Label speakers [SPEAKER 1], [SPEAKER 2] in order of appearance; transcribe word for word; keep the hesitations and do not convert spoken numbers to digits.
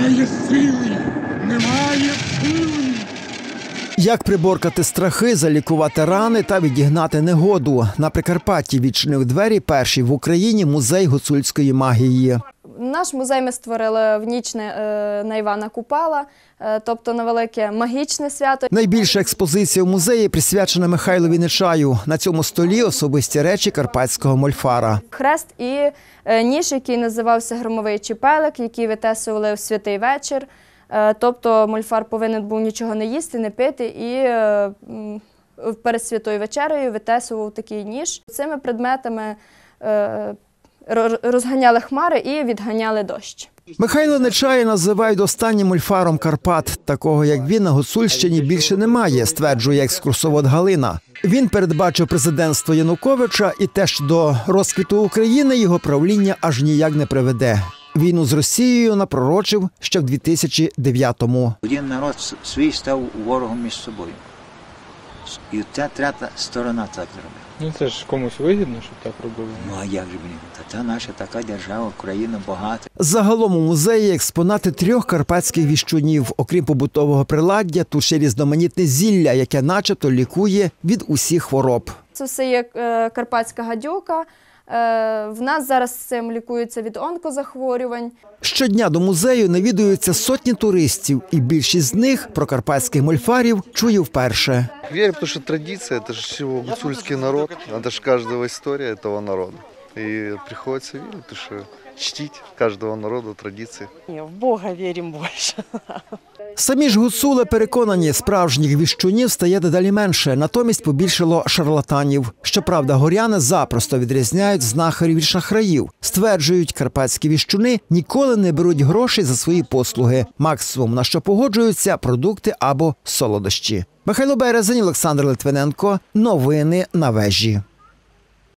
[SPEAKER 1] Немає сили, немає сили.
[SPEAKER 2] Як приборкати страхи, залікувати рани та відігнати негоду. На Прикарпатті відчинив двері перший в Україні музей гуцульської магії.
[SPEAKER 3] Наш музей ми створили в ніч на Івана Купала, тобто на велике магічне свято.
[SPEAKER 2] Найбільша експозиція в музеї присвячена Михайлові Нечаю. На цьому столі особисті речі карпатського мольфара.
[SPEAKER 3] Хрест і ніж, який називався Громовий Чіпелик, який витесували в святий вечір. Тобто мольфар повинен був нічого не їсти, не пити і перед святою вечерею витесував такий ніж. Цими предметами розганяли хмари і відганяли дощ.
[SPEAKER 2] Михайло Нечая називають останнім мольфаром Карпат. Такого, як він, на Гуцульщині більше немає, стверджує екскурсовод Галина. Він передбачив президентство Януковича і те, що до розквіту України його правління аж ніяк не приведе. Війну з Росією напророчив ще в дві тисячі дев'ятому.
[SPEAKER 4] Один народ свій став ворогом між собою. І ця третя сторона так зробила.
[SPEAKER 5] Ну це ж комусь вигідно, щоб так робили.
[SPEAKER 4] Ну а як же, блін? Та це наша така держава, Україна багата.
[SPEAKER 2] Загалом у музеї експонати трьох карпатських віщунів. Окрім побутового приладдя, тут ще різноманітне зілля, яке начебто лікує від усіх хвороб.
[SPEAKER 3] Це все є карпатська гадюка. В нас зараз цим лікуються від онкозахворювань.
[SPEAKER 2] Щодня до музею навідуються сотні туристів, і більшість з них про карпатських мольфарів чує вперше.
[SPEAKER 6] Верю, потому что традиция, это же всего гуцульский народ, это же каждого история этого народа. И приходится верить, потому что чтить каждого народа традиции.
[SPEAKER 7] В Бога верим больше.
[SPEAKER 2] Самі ж гуцули переконані, справжніх віщунів стає дедалі менше, натомість побільшало шарлатанів. Щоправда, горяни запросто відрізняють знахарів від шахраїв. Стверджують, карпатські віщуни ніколи не беруть грошей за свої послуги. Максимум, на що погоджуються – продукти або солодощі. Михайло Березень, Олександр Литвиненко. Новини на Вежі.